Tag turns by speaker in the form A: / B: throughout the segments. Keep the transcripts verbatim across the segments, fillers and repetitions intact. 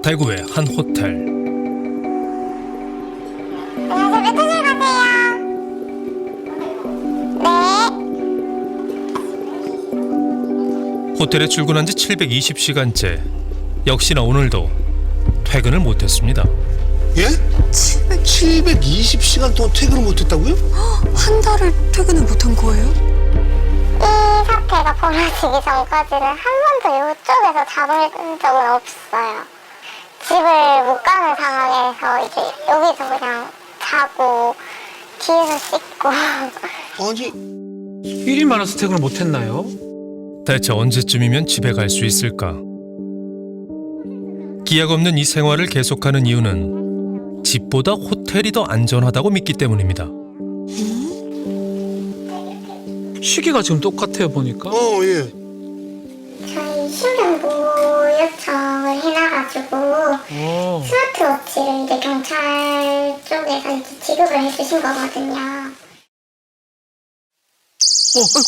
A: 대구의 한 호텔.
B: 안녕하세요. 메타실 가세요. 네.
A: 호텔에 출근한 지 칠백이십 시간째. 역시나 오늘도 퇴근을 못했습니다.
C: 예? 칠백이십 시간 동안 퇴근을 못했다고요?
D: 한 달을 퇴근을 못한 거예요?
B: 이 사태가 벌어지기 전까지는 한 번도 이쪽에서 잠을 꾼 적은 없어요. 집을 못 가는 상황에서 이제 여기서 그냥 자고 뒤에서 씻고.
C: 아니
E: 일이 많아서 퇴근을 못했나요?
A: 대체 언제쯤이면 집에 갈 수 있을까? 기약 없는 이 생활을 계속하는 이유는 집보다 호텔이 더 안전하다고 믿기 때문입니다.
E: 시기가 지금 똑같아요 보니까.
C: 어 예.
B: 저희 신변보호 요청을 해놔가지고
E: 어.
B: 스마트워치를 이제 경찰 쪽에서 이제 지급을 해주신 거거든요.
E: 어, 아이고.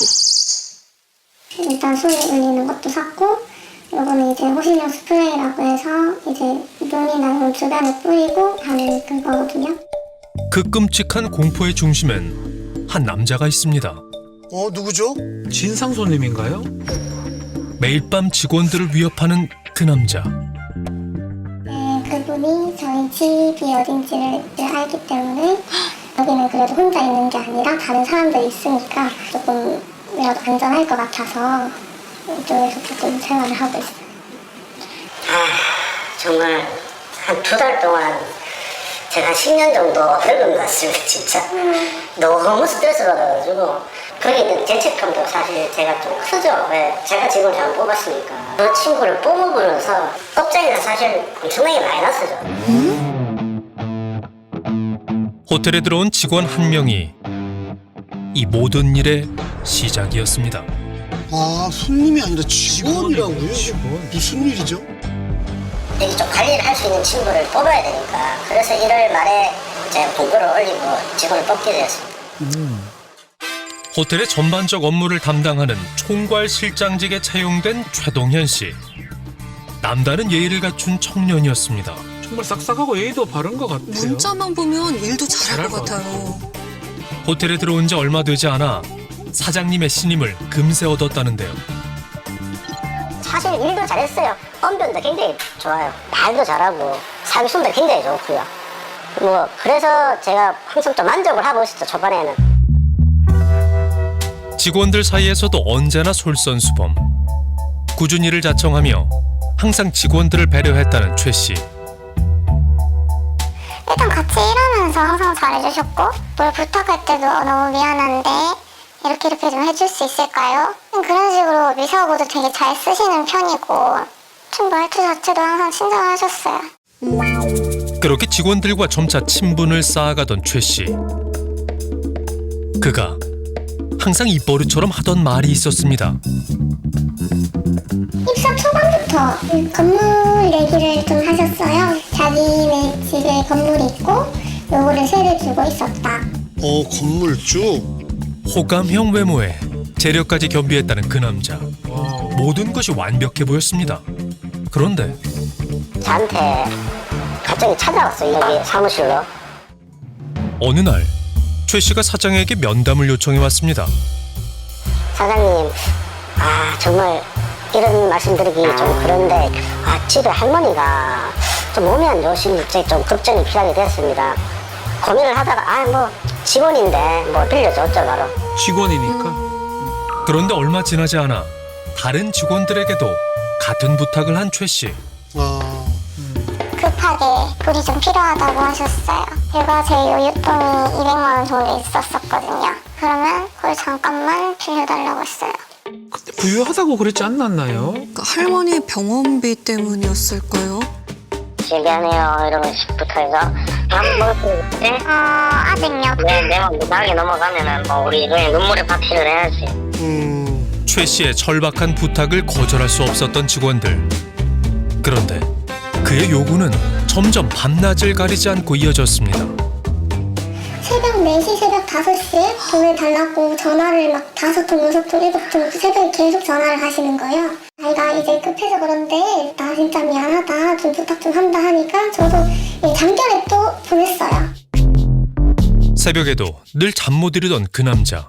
B: 일단 손에 울리는 것도 샀고, 요거는 이제 호신용 스프레이라고 해서 이제 눈이나 눈 주변에 뿌리고 하는 그거거든요.
A: 그 끔찍한 공포의 중심엔 한 남자가 있습니다.
C: 어 누구죠?
E: 진상 손님인가요?
A: 매일 밤 직원들을 위협하는 그 남자.
B: 네, 그분이 저희 집이 어딘지를 알기 때문에 여기는 그래도 혼자 있는 게 아니라 다른 사람들이 있으니까 조금이라도 안전할 것 같아서 이쪽에서 조금 생활을 하고 있어요.
F: 아, 정말 한 두 달 동안 제가 십 년 정도 늙은 것 같습니다, 진짜. 너무 스트레스 받아가지고. 거기는 죄책감도 사실 제가 좀 크죠. 왜? 제가 직원을 잘 뽑았으니까. 그 친구를 뽑음으로써 업장에서 사실 엄청나게 마이너스죠.
A: 호텔에 들어온 직원 한 명이 이 모든 일의 시작이었습니다.
C: 아 손님이 아니라 직원이라고요?
E: 직원.
C: 무슨 일이죠?
F: 여기 좀 관리를 할 수 있는 친구를 뽑아야 되니까. 그래서 일월 말에 제가 공고를 올리고 직원을 뽑게 되었습니다.
E: 음.
A: 호텔의 전반적 업무를 담당하는 총괄 실장직에 채용된 최동현 씨. 남다른 예의를 갖춘 청년이었습니다.
E: 정말 싹싹하고 예의도 바른 것 같아요.
D: 문자만 보면 일도 잘할
E: 잘할
D: 것
E: 것
D: 같아요.
A: 호텔에 들어온 지 얼마 되지 않아 사장님의 신임을 금세 얻었다는데요.
F: 사실 일도 잘했어요. 언변도 굉장히 좋아요. 말도 잘하고 사기순도 굉장히 좋고요. 뭐 그래서 제가 항상 좀 만족을 하고 있었죠, 초반에는.
A: 직원들 사이에서도 언제나 솔선수범. 꾸준히 일을 자청하며 항상 직원들을 배려했다는 최 씨.
B: 일단 같이 일하면서 항상 잘해주셨고, 뭘 부탁할 때도 어, 너무 미안한데 이렇게 이렇게 좀 해줄 수 있을까요? 그런 식으로 미사고도 되게 잘 쓰시는 편이고, 좀 말투 자체도 항상 친절하셨어요.
A: 그렇게 직원들과 점차 친분을 쌓아가던 최 씨. 그가 항상 입버릇처럼 하던 말이 있었습니다.
B: 입사 초반부터 건물 얘기를 좀 하셨어요. 자기네 집에 건물이 있고 요거를 세를 주고 있었다.
C: 어 건물주?
A: 호감형 외모에 재력까지 겸비했다는 그 남자.
E: 와우.
A: 모든 것이 완벽해 보였습니다. 그런데
F: 저한테 갑자기 찾아왔어요, 여기 사무실로.
A: 어느 날 최 씨가 사장에게 면담을 요청해 왔습니다.
F: 사장님, 아 정말 이런 말씀드리기 좀 그런데 아 집에 할머니가 좀 몸이 안 좋으신지 좀 급전이 필요하게 되었습니다. 고민을 하다가 아 뭐 직원인데 뭐 빌려줬죠 바로.
E: 직원이니까.
A: 그런데 얼마 지나지 않아 다른 직원들에게도 같은 부탁을 한 최 씨.
C: 아
B: 급하게 돈이 좀 필요하다고 하셨어요. 제가 제 요유돈이 이백만 원 정도 있었었거든요. 그러면 그걸 잠깐만 빌려달라고 했어요.
E: 근데 부유하다고 그랬지 않았나요?
D: 그러니까 할머니 병원비 때문이었을까요?
F: 미안해요 이러면서부터 해서 밥 먹을 때
B: 어, 아직요.
F: 내, 내가 무당하게 넘어가면은 뭐 우리 그냥 눈물의 파티를 해야지.
C: 음...
A: 최 씨의 절박한 부탁을 거절할 수 없었던 직원들. 그런데 그의 요구는 점점 밤낮을 가리지 않고 이어졌습니다.
B: 새벽 네 시, 새벽 다섯 시에 돈을 달라고 전화를 막 다섯 통, 여섯 통, 일곱 통 새벽에 계속 전화를 하시는 거예요. 자기가 이제 급해서 그런데 나 진짜 미안하다 좀 부탁 좀 한다 하니까 저도 잠결에 또 보냈어요.
A: 새벽에도 늘 잠 못 이루던 그 남자.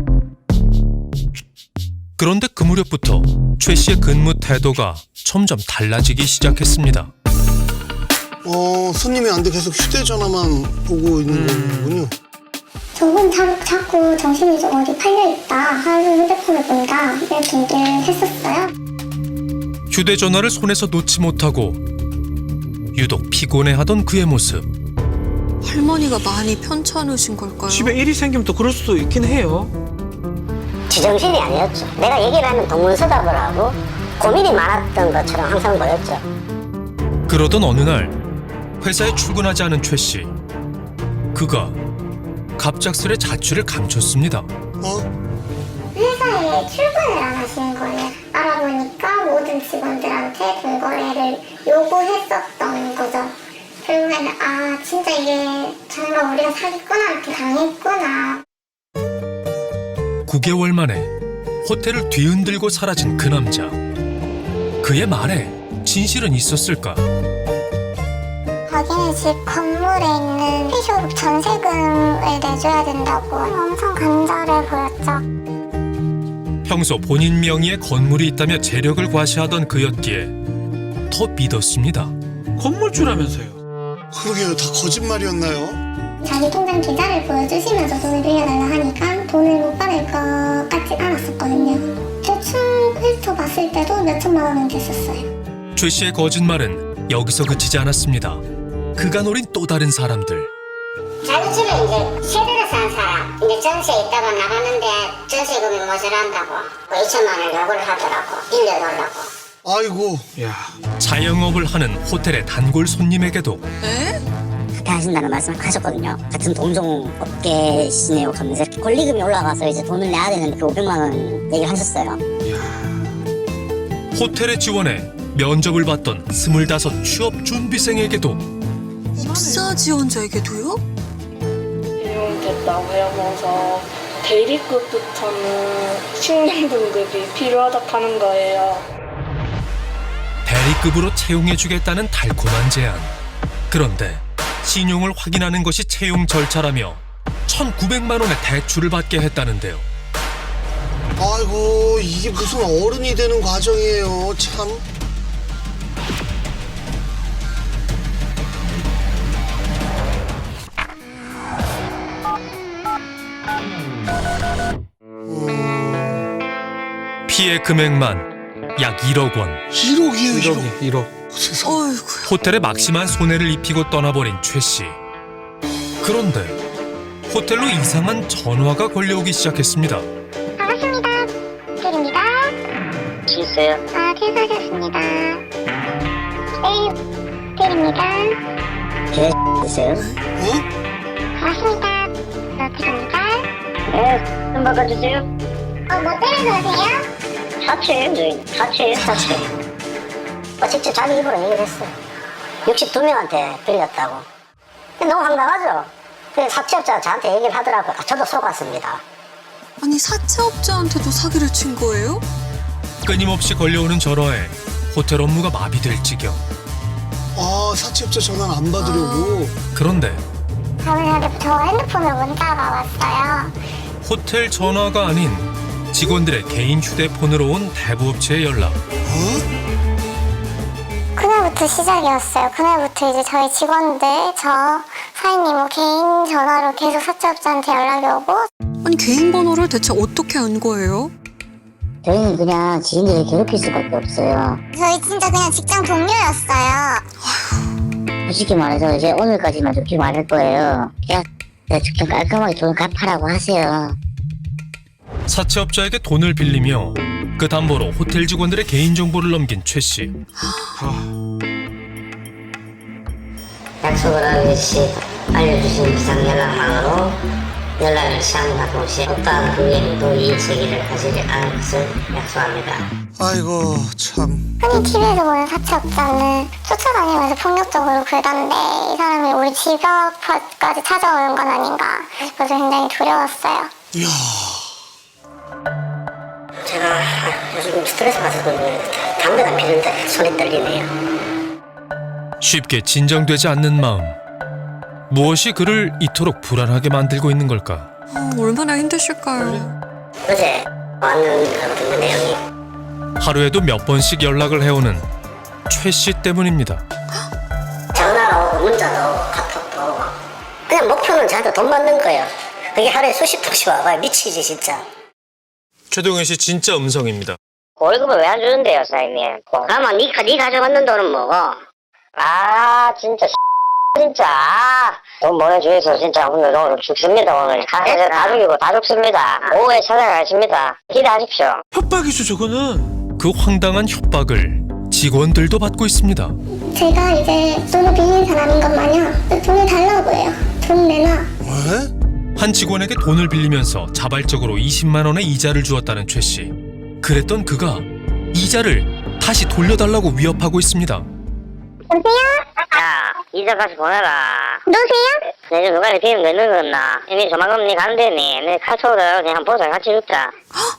A: 그런데 그 무렵부터 최 씨의 근무 태도가 점점 달라지기 시작했습니다.
C: 어, 손님이 안 돼 계속 휴대전화만 보고 있는 거군요.
B: 저분 자, 자꾸 정신이 좀 어디 팔려있다, 하루 휴대폰을 본다 이렇게 얘기를 했었어요.
A: 휴대전화를 손에서 놓지 못하고 유독 피곤해하던 그의 모습.
D: 할머니가 많이 편찮으신 걸까요?
E: 집에 일이 생기면 또 그럴 수도 있긴 해요.
F: 지정신이 아니었죠. 내가 얘기를 하면 동문서답을 하고 고민이 많았던 것처럼 항상 보였죠.
A: 그러던 어느 날 회사에 출근하지 않은 최 씨. 그가 갑작스레 자취를 감췄습니다.
C: 어?
B: 회사에 출근을 안 하시는 거예요. 알아보니까 모든 직원들한테 불거래를 요구했었던 거죠. 결국에는 아 진짜 이게 정말 우리가 사기꾼한테 이렇게 당했구나.
A: 구 개월 만에 호텔을 뒤흔들고 사라진 그 남자. 그의 말에 진실은 있었을까?
B: 자기네 집 건물에 있는 피쇼 전세금을 내줘야 된다고 엄청 간절해 보였죠.
A: 평소 본인 명의의 건물이 있다며 재력을 과시하던 그였기에 더 믿었습니다.
E: 건물주라면서요.
C: 그러게요. 다 거짓말이었나요?
B: 자기 통장 계좌를 보여주시면서 돈을 빌려달라 하니까 돈을 못 받을 것 같지 않았었거든요. 대충 훑어봤을 때도 몇 천만 원은 됐었어요.
A: 최 씨의 거짓말은 여기서 그치지 않았습니다. 그가 노린 또 다른 사람들.
F: 자기 집에 이제 세대를 산 사람, 이제 전세에 있다가 나갔는데 전세금이 모자란다고 이천만 원을 요구를 하더라고. 빌려달라고.
C: 아이고.
E: 야,
A: 자영업을 하는 호텔의 단골 손님에게도
D: 에?
F: 그렇게 하신다는 말씀을 하셨거든요. 같은 동종 업계시네요 하면서 권리금이 올라가서 이제 돈을 내야 되는데 그 오백만 원 얘기를 하셨어요.
A: 호텔에 지원해 면접을 봤던 스물다섯 취업 준비생에게도
D: 입사 지원자에게도요?
G: 임용됐다고 하면서 대리급부터는 신용 등급이 필요하다고 하는 거예요.
A: 대리급으로 채용해주겠다는 달콤한 제안. 그런데 신용을 확인하는 것이 채용 절차라며 천구백만 원의 대출을 받게 했다는데요.
C: 아이고, 이게 무슨 어른이 되는 과정이에요. 참.
A: 피해 금액만 약 일억 원.
C: 일억이에요, 일억.
E: 일억이 일억.
C: 세상.
D: 어이구.
A: 호텔에 막심한 손해를 입히고 떠나버린 최 씨. 그런데 호텔로 이상한 전화가 걸려오기 시작했습니다.
B: 반갑습니다. 호텔입니다.
F: 있어요.
B: 아, 퇴사하셨습니다. 네, 호텔입니다.
F: 있어요.
C: 어?
B: 반갑습니다. 호텔입니다.
F: 네, 좀 바꿔주세요.
B: 어, 뭐 때문에 그러세요?
F: 사채예요, 저희. 사채예요, 사채. 어, 직접 자기 입으로 얘기를 했어요. 육십이 명한테 빌렸다고. 근데 너무 황당하죠? 그 사채업자가 저한테 얘기를 하더라고요. 아, 저도 속았습니다.
D: 아니 사채업자한테도 사기를 친 거예요?
A: 끊임없이 걸려오는 전화에 호텔 업무가 마비될 지경.
C: 아, 사채업자 전화를 안 받으려고.
A: 그런데
B: 저는 저 핸드폰으로 문자가 왔어요.
A: 호텔 전화가 아닌 직원들의 개인 휴대폰으로 온 대부업체의 연락.
C: 어?
B: 그날부터 시작이었어요. 그날부터 이제 저희 직원들, 저 사장님 뭐 개인 전화로 계속 사채업자한테 연락이 오고.
D: 아니 개인 번호를 대체 어떻게 안 거예요?
F: 저희는 그냥 지인들을 괴롭힐 수밖에 없어요.
B: 저희 진짜 그냥 직장 동료였어요.
F: 솔직히 말해서 이제 오늘까지만 좋게 말할 거예요. 그냥 좀 깔끔하게 돈 갚아라고 하세요.
A: 사채업자에게 돈을 빌리며 그 담보로 호텔 직원들의 개인정보를 넘긴 최 씨.
E: 아,
F: 약속을 하듯이 알려주신 비상연락망으로 연락을 시작함과 동시에 어떠한 금융도 이의제기를 하지 않을 것을 약속합니다.
C: 아이고, 참.
B: 흔히 티비에서 보는 사채업자는 쫓아다니면서 폭력적으로 굴던데 이 사람이 우리 집 앞까지 찾아오는 건 아닌가 싶어서 굉장히 두려웠어요.
C: 이야.
F: 제가 요즘 스트레스 받아서 그런 거예요. 담배가 피는데 손이 떨리네요.
A: 쉽게 진정되지 않는 마음. 무엇이 그를 이토록 불안하게 만들고 있는 걸까?
D: 아, 얼마나 힘드실까요?
F: 어제 왔는 거거든요, 내용이.
A: 하루에도 몇 번씩 연락을 해오는 최 씨 때문입니다.
F: 전화가 오고 문자도 오고 카톡도 오고. 그냥 목표는 저한테 돈 받는 거예요. 그게 하루에 수십 통씩 와봐요. 미치지 진짜.
A: 최동현 씨 진짜 음성입니다.
F: 월급을 왜 안 주는데요, 사장님? 가만 니, 니 가져갔는 돈은 뭐고? 아 진짜 진짜 돈 보내주셔서 진짜 오늘 오늘 죽습니다. 오늘 다, 다 죽이고 다 죽습니다. 오후에 찾아가십니다. 기대하십시오.
E: 협박이죠 저거는.
A: 그 황당한 협박을 직원들도 받고 있습니다.
B: 제가 이제 돈을 빌린 사람인 것 마냥 돈을 달라고 해요. 돈 내놔.
C: 왜?
A: 한 직원에게 돈을 빌리면서 자발적으로 이십만 원의 이자를 주었다는 최 씨. 그랬던 그가 이자를 다시 돌려달라고 위협하고 있습니다.
F: 야, 이자 가서 보내라. 누구세요? 내일 누가 이렇게 몇 늙었나? 이미 조만간 니 간대니. 내 카톡으로 그냥 보자 같이 죽자.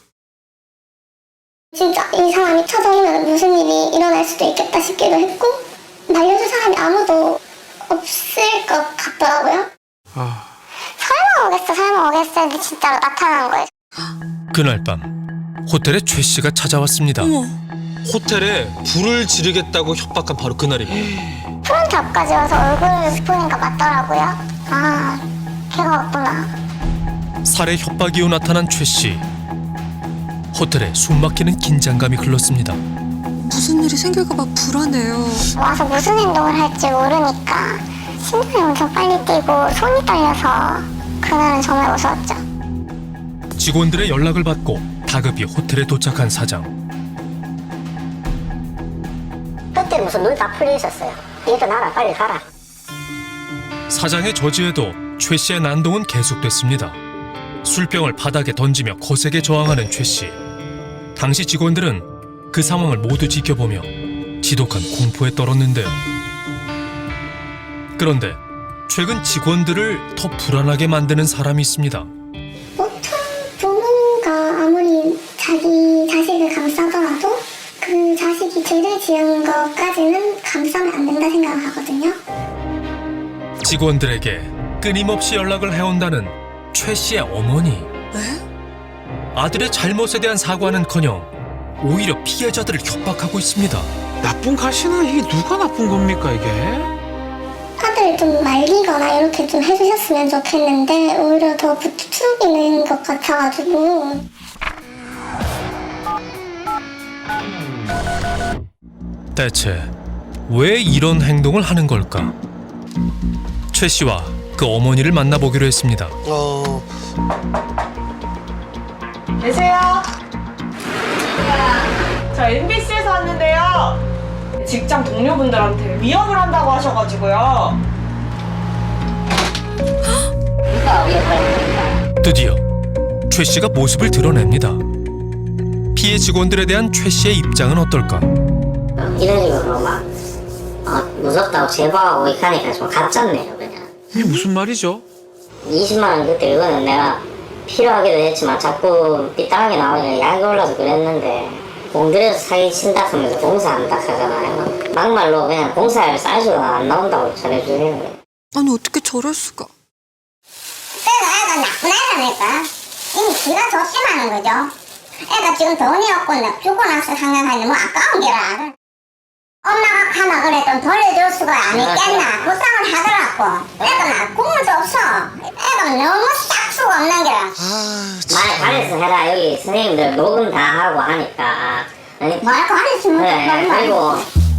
B: 진짜 이 사람이 찾아오면 무슨 일이 일어날 수도 있겠다 싶기도 했고 말려줄 사람이 아무도 없을 것 같더라고요.
E: 아,
B: 설마 오겠어 설마 오겠어 근데 진짜로 나타난 거예요.
A: 그날 밤 호텔에 최 씨가 찾아왔습니다.
D: 어머,
A: 호텔에 불을 지르겠다고 협박한 바로 그날입니다.
B: 프런트 앞까지 와서 얼굴을 보니까 맞더라고요. 아 걔가 왔구나.
A: 살해 협박 이후 나타난 최 씨. 호텔에 숨막히는 긴장감이 흘렀습니다.
D: 무슨 일이 생길까봐 불안해요.
B: 와서 무슨 행동을 할지 모르니까 심장이 엄청 빨리 뛰고 손이 떨려서 그날은 정말 무서웠죠.
A: 직원들의 연락을 받고 다급히 호텔에 도착한 사장.
F: 그때 무슨 눈 다 풀려 있었어요. 일어나라 빨리 가라.
A: 사장의 저지에도 최 씨의 난동은 계속됐습니다. 술병을 바닥에 던지며 거세게 저항하는 최 씨. 당시 직원들은 그 상황을 모두 지켜보며 지독한 공포에 떨었는데요. 그런데 최근 직원들을 더 불안하게 만드는 사람이 있습니다.
B: 보통 부모가 아무리 자기 자식을 감싸더라도 그 자식이 죄를 지은 것까지는 감싸면 안 된다 생각을 하거든요.
A: 직원들에게 끊임없이 연락을 해온다는 최 씨의 어머니.
D: 네?
A: 아들의 잘못에 대한 사과는커녕 오히려 피해자들을 협박하고 있습니다.
E: 나쁜 가시나 이게 누가 나쁜 겁니까 이게?
B: 아들 좀 말리거나 이렇게 좀 해주셨으면 좋겠는데 오히려 더 부추기는 것 같아가지고.
A: 대체 왜 이런 행동을 하는 걸까? 최 씨와 그 어머니를 만나보기로 했습니다.
C: 어,
H: 계세요? 저 엠비씨에서 왔는데요. 직장 동료분들한테 위협을 한다고 하셔가지고요.
A: 드디어 최 씨가 모습을 드러냅니다. 피해 직원들에 대한 최 씨의 입장은 어떨까?
F: 이런 식으로 막 어, 무섭다고 제보하고 이렇게 하니까 좀 가짜네요 그냥.
E: 이게 무슨 말이죠?
F: 이십만 원 그때 이거는 내가 필요하기도 했지만 자꾸 삐딱하게 나오니까 약이 올라서 그랬는데 공들여서 사기 친다 하면서 공사한다 하잖아요. 막말로 그냥 공사할 사이즈가 안 나온다고 전해주는 거예요.
D: 아니 어떻게 저럴 수가?
B: 애가 애가 나쁜 애라니까. 이미 지가 조심하는 거죠. 애가 지금 돈이 없고 나 죽고 나서 생각하니 뭐 아까운 게라. 엄마가 가나 그랬던 돌려줄 수가 안 있겠나 불쌍을 하더라고. 애가 나 꿈을 없어. 애가 너무 싹수가 없는 게라.
C: 아,
F: 말 잘해서 해라. 여기 선생님들 녹음 다 하고 하니까. 아니,
B: 말고 안 했으면
F: 네, 그리고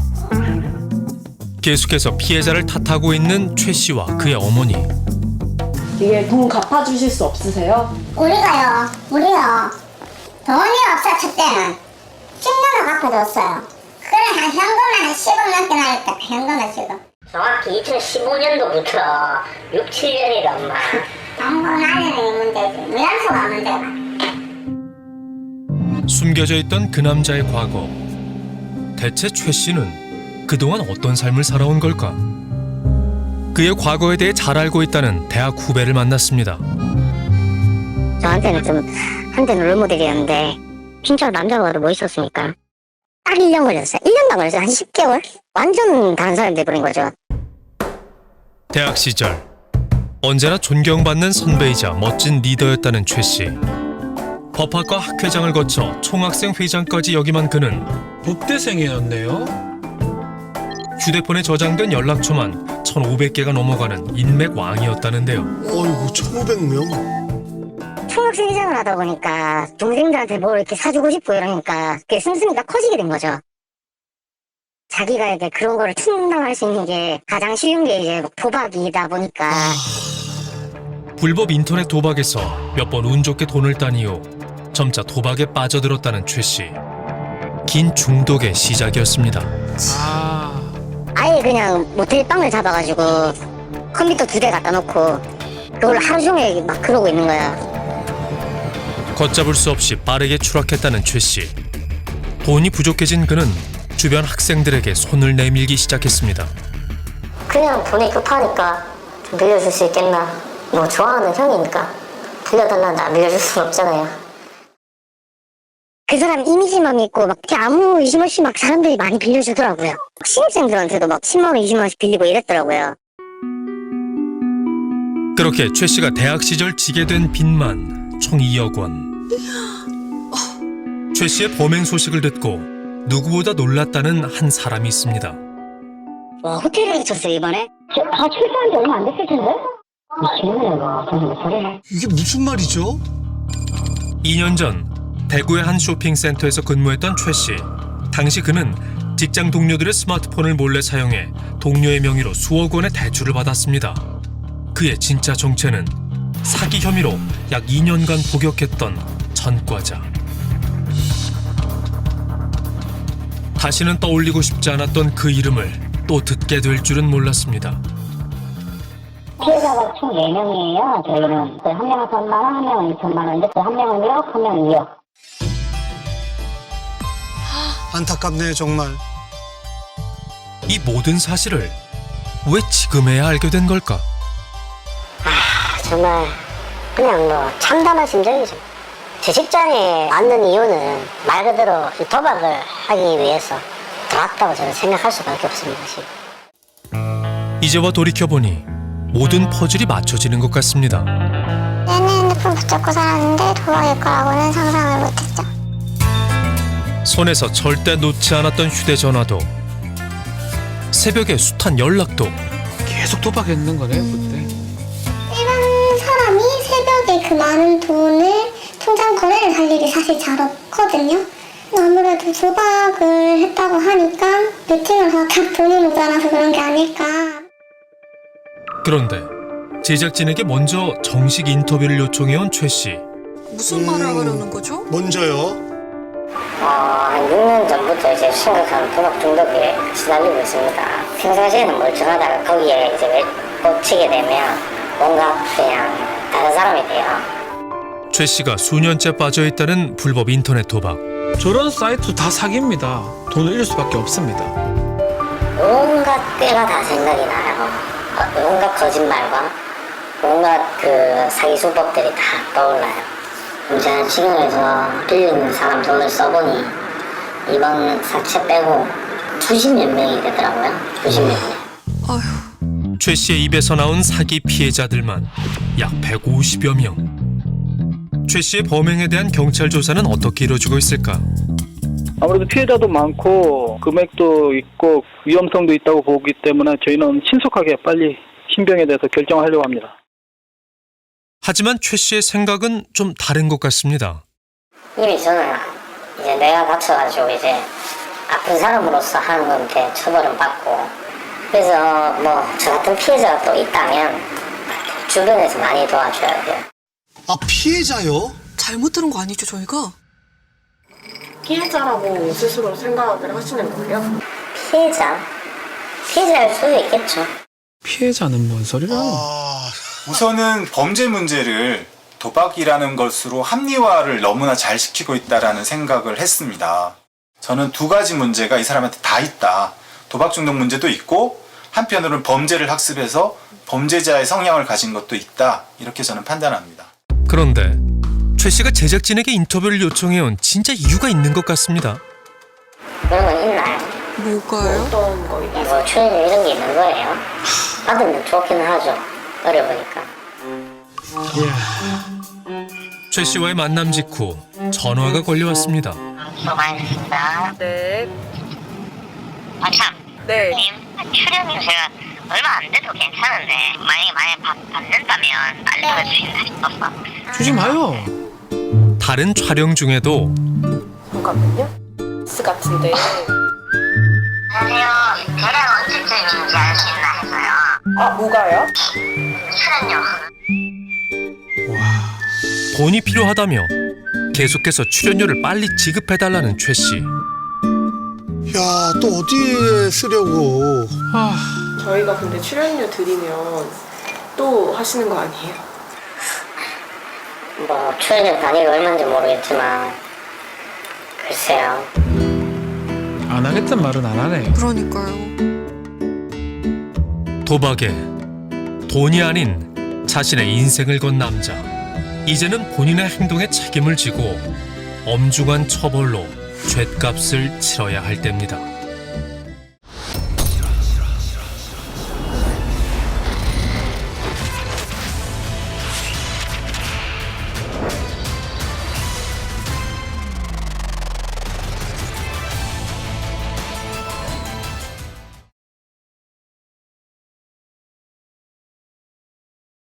A: 계속해서 피해자를 탓하고 있는 최 씨와 그의 어머니.
G: 이게 돈 갚아주실 수 없으세요?
B: 우리가요, 우리요. 돈이 없어, 첫째는. 십 년을 갚아줬어요. 그래, 한 현금만 한 십억 넘게 나겠다, 현금만 지금.
F: 정확히 이천십오 년도부터 육, 칠 년이다 엄마.
B: 당근 안에는 문제지. 미란소가 문제가.
A: 숨겨져 있던 그 남자의 과거. 대체 최 씨는 그동안 어떤 삶을 살아온 걸까? 그의 과거에 대해 잘 알고 있다는 대학 후배를 만났습니다.
F: 저한테는 좀 한때는 롤모델이었는데 진짜 남자가 봐도 멋있었으니까. 딱 일 년 걸렸어요. 일 년도 안 걸렸어요. 한 십 개월? 완전 다른 사람이 돼버린 거죠.
A: 대학 시절 언제나 존경받는 선배이자 멋진 리더였다는 최 씨. 법학과 학회장을 거쳐 총학생 회장까지 역임한 그는
E: 법대생이었네요.
A: 휴대폰에 저장된 연락처만 천오백 개가 넘어가는 인맥 왕이었다는데요.
C: 어이구 천오백 명.
F: 총학생 회장을 하다 보니까 동생들한테 뭘 이렇게 사주고 싶고 이러니까 그게 씀씀이가 커지게 된 거죠. 자기가 이제 그런 거를 충당할 수 있는 게 가장 쉬운 게 이제 도박이다 보니까
A: 불법 인터넷 도박에서 몇 번 운 좋게 돈을 딴 이후 점차 도박에 빠져들었다는 최 씨. 긴 중독의 시작이었습니다.
E: 아,
F: 아예 그냥 모텔 방을 잡아가지고 컴퓨터 두 대 갖다 놓고 그걸 하루 종일 막 그러고 있는 거야.
A: 걷잡을 수 없이 빠르게 추락했다는 최 씨. 돈이 부족해진 그는 주변 학생들에게 손을 내밀기 시작했습니다.
F: 그냥 돈이 급하니까 좀 빌려줄 수 있겠나. 뭐 좋아하는 형이니까 빌려달라는데 안 빌려줄 수는 없잖아요. 그 사람 이미지만 믿고 막 아무 의심 없이 막 사람들이 많이 빌려주더라고요. 신입생들한테도 막 십만 원, 이십만 원씩 빌리고 이랬더라고요.
A: 그렇게 최 씨가 대학 시절 지게 된 빚만 총 이억 원. 최 씨의 범행 소식을 듣고 누구보다 놀랐다는 한 사람이 있습니다.
F: 와, 호텔에 쳤어요 이번에? 다 출소한 지 얼마 안 됐을 텐데? 미치겠네 이거. 무슨 소리야.
C: 이게 무슨 말이죠?
A: 이 년 전 대구의 한 쇼핑센터에서 근무했던 최 씨. 당시 그는 직장 동료들의 스마트폰을 몰래 사용해 동료의 명의로 수억 원의 대출을 받았습니다. 그의 진짜 정체는 사기 혐의로 약 이 년간 복역했던 전과자. 다시는 떠올리고 싶지 않았던 그 이름을 또 듣게 될 줄은 몰랐습니다.
F: 피해자가 총 네 명이에요. 저희는 한 명은 삼만 원, 한 명은 이천만 원인데 한 명은 일억, 한 명은 이억.
C: 안타깝네 정말.
A: 이 모든 사실을 왜 지금에야 알게 된 걸까?
F: 정말 그냥 뭐 참담한 심정이죠. 제 직장에 앉는 이유는 말 그대로 이 도박을 하기 위해서 들어왔다고 저는 생각할 수밖에 없습니다. 지금.
A: 이제와 돌이켜보니 모든 퍼즐이 맞춰지는 것 같습니다.
B: 얘는 핸드폰 붙잡고 살았는데 도박일 거라고는 상상을 못했죠.
A: 손에서 절대 놓지 않았던 휴대전화도 새벽에 숱한 연락도
E: 계속 도박했는 거네요 그때.
B: 일반 사람이 새벽에 그 많은 돈을 통장 거래를 할 일이 사실 잘 없거든요. 아무래도 도박을 했다고 하니까 베팅을 하다 돈이 모자라서 그런 게 아닐까.
A: 그런데 제작진에게 먼저 정식 인터뷰를 요청해온 최 씨.
D: 무슨 말을 하려는 거죠?
C: 먼저요.
F: 어, 한 육 년 전부터 이제 심각한 도박 중독에 시달리고 있습니다. 평상시에는 멀쩡하다가 거기에 이제 꽂히게 되면 뭔가 그냥 다른 사람이 돼요.
A: 최 씨가 수년째 빠져있다는 불법 인터넷 도박.
E: 저런 사이트 다 사기입니다. 돈을 잃을 수밖에 없습니다.
F: 온갖 꾀가 다 생각이 나요. 어, 온갖 거짓말과 온갖 그 사기 수법들이 다 떠올라요. 제가 지금에서 빌린 사람 돈을 써보니 이번 사채 빼고 수십 몇 명이 되더라고요. 수십 몇 명.
D: 아휴,
A: 최 씨의 입에서 나온 사기 피해자들만 약 백오십여 명. 최 씨의 범행에 대한 경찰 조사는 어떻게 이루어지고 있을까?
I: 아무래도 피해자도 많고 금액도 있고 위험성도 있다고 보기 때문에 저희는 신속하게 빨리 신병에 대해서 결정하려고 합니다.
A: 하지만 최 씨의 생각은 좀 다른 것 같습니다.
F: 이미 저는 이제 내가 다쳐가지고 이제 아픈 사람으로서 하는 건데 처벌은 받고, 그래서 뭐 저 같은 피해자가 또 있다면 주변에서 많이 도와줘야 돼요.
C: 아 피해자요?
D: 잘못 들은 거 아니죠 저희가?
H: 피해자라고 스스로 생각을 하시는 거예요?
F: 피해자? 피해자일 수도 있겠죠.
E: 피해자는 뭔 소리라는?
C: 아
J: 우선은 범죄 문제를 도박이라는 것으로 합리화를 너무나 잘 시키고 있다라는 생각을 했습니다. 저는 두 가지 문제가 이 사람한테 다 있다. 도박 중독 문제도 있고 한편으로는 범죄를 학습해서 범죄자의 성향을 가진 것도 있다. 이렇게 저는 판단합니다.
A: 그런데 최 씨가 제작진에게 인터뷰를 요청해온 진짜 이유가 있는 것 같습니다.
F: 그런 건 있나요?
D: 뭐가요?
H: 어떤 거 있나요?
F: 뭐 출연료 이런 게 있는 거예요? 받으면 좋기는 하죠. 어려우니까.
A: 최 씨와의 만남 직후 전화가 걸려왔습니다.
F: 수고 많으셨습니다.
H: 네.
F: 아 참.
H: 네.
F: 님 출연료 제가 얼마 안 돼도 괜찮은데 만약에 만약에 받, 받는다면 알려주신다 싶어서.
E: 주지 마요.
A: 다른 촬영 중에도
H: 잠깐만요. 스 같은데.
F: 안녕하세요. 대략 언제쯤인지 알 수 있나 해서요.
H: 아, 뭐가요?
F: 출연료.
A: 돈이 필요하다며 계속해서 출연료를 빨리 지급해달라는 최 씨.
C: 야, 또 어디에 쓰려고.
E: 아,
H: 저희가 근데 출연료 드리면 또 하시는 거 아니에요?
F: 뭐 출연료 단위가 얼마인지 모르겠지만 글쎄요.
E: 안 하겠단 말은 안 하네.
D: 그러니까요.
A: 도박에 돈이 아닌 자신의 인생을 건 남자. 이제는 본인의 행동에 책임을 지고 엄중한 처벌로 죗값을 치러야 할 때입니다.